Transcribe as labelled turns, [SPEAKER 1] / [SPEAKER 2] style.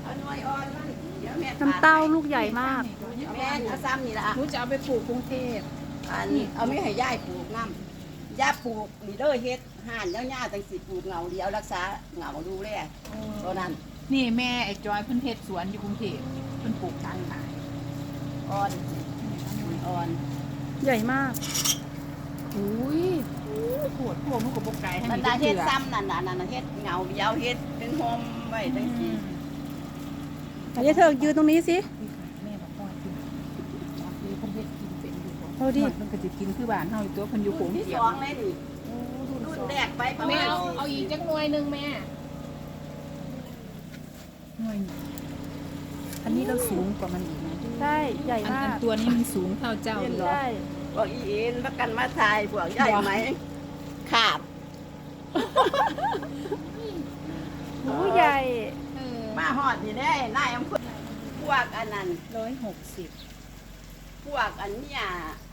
[SPEAKER 1] เอาหน่วยอ่อนมันเดี๋ยวแม่
[SPEAKER 2] น้ำเต้าลูกใหญ่มาก
[SPEAKER 1] แม่เอาซ้ำนี่ละ
[SPEAKER 3] หนูจะเอาไปปลูกกรุงเทพ
[SPEAKER 1] อันเอาไม่ให้ย่ายปลูกน้ำย่าปลูกลีเดอร์เฮ็ดห่านย่าๆจังสิปลูกเงาเดียวรักษาเงาดูแลตัวนั้น
[SPEAKER 3] นี่แม่ไอ้จอยเพิ่นเฮ็ดสวนอยู่กรุงเทพเพิ่นปลูกทางขาย
[SPEAKER 1] อ่อนอ่อน
[SPEAKER 2] ใหญ่มาก
[SPEAKER 3] อุ้ยปวดพวกมันก็บ่ไกลให้
[SPEAKER 1] มั
[SPEAKER 3] มัน น
[SPEAKER 1] ได้เฮ็ด
[SPEAKER 3] ซ้
[SPEAKER 1] ซ้ำนั่นน่ะเฮ็ดเงาเดียวเฮ็ดเป็นโฮมไว้จังสิ
[SPEAKER 2] เดี๋ยวเธอยืนตรงนี้สิ
[SPEAKER 3] แม่บอกว่ากินจากนี้เพิ่นเฮ็ดกินเป็นอยู่บ่
[SPEAKER 2] เอาดิ
[SPEAKER 3] มันก็สิกินคือบ้านเฮาอยู่ตัวเพิ่นอยู่โข
[SPEAKER 1] รุ่
[SPEAKER 3] ง
[SPEAKER 1] นที่
[SPEAKER 3] เจี
[SPEAKER 1] ส
[SPEAKER 3] ยม
[SPEAKER 1] องเลยนี่รุ่นแรกไปประ
[SPEAKER 3] แม่
[SPEAKER 1] มาณ
[SPEAKER 3] เอาอีกจักหน่วยนึงแม่หน่วยอันนี้เราสูงกว่ามันอีกนะ
[SPEAKER 2] ใช่ใหญ่
[SPEAKER 3] อัน
[SPEAKER 2] มาก
[SPEAKER 3] ตัวนี้มันสูงเท่าเจ้าเลยเหรอ
[SPEAKER 2] ใช่
[SPEAKER 1] พวกอีเอ็นประกันมาทายพวกย่ายไหมขาบ
[SPEAKER 2] หูใหญ่
[SPEAKER 1] มาฮอดนี่ได้นายอำเภอพวกอันนั้น
[SPEAKER 3] 160
[SPEAKER 1] พวกอันเนี้ย